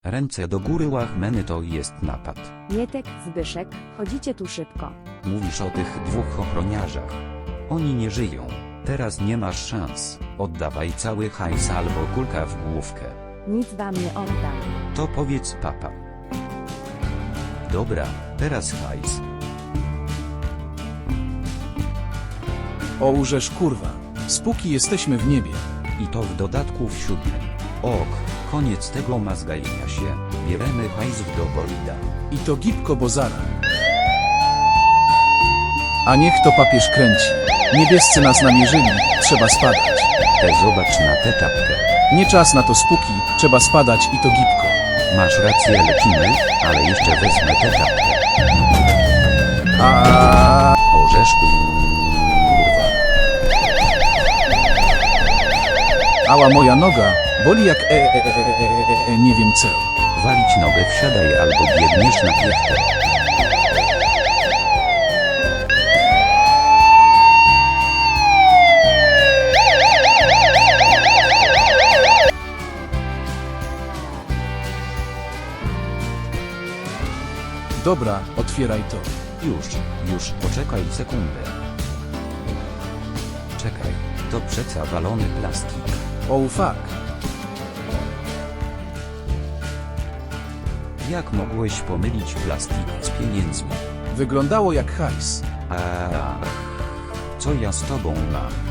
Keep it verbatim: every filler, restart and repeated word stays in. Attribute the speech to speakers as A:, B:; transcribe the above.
A: Ręce do góry, łachmeny, to jest napad.
B: Mietek, Zbyszek, chodzicie tu szybko.
A: Mówisz o tych dwóch ochroniarzach. Oni nie żyją. Teraz nie masz szans. Oddawaj cały hajs albo kulka w główkę.
B: Nic wam nie oddam.
A: To powiedz papa. Dobra, teraz hajs.
C: O użesz kurwa. Spóki jesteśmy w niebie.
A: I to w dodatku w siódmym. Ok, koniec tego mazgajenia się. Bieremy hajs do bolida.
C: I to gipko bozara. A niech to papież kręci. Niebiescy nas namierzyli, trzeba spadać.
A: Te zobacz na tę czapkę.
C: Nie czas na to spóki, trzeba spadać i to gipko.
A: Masz rację, lecimy, ale jeszcze wezmę tę czapkę.
C: A
A: Orzeszku. Kurwa.
C: Ała moja noga, boli jak e, e, e, e, e, e, nie wiem co.
A: Walić nogę, wsiadaj albo biegniesz na piechę.
C: Dobra, otwieraj to.
A: Już, już, poczekaj sekundę. Czekaj, to przeca walony plastik.
C: Oh fuck.
A: Jak mogłeś pomylić plastik z pieniędzmi?
C: Wyglądało jak hajs.
A: Ach, co ja z tobą mam?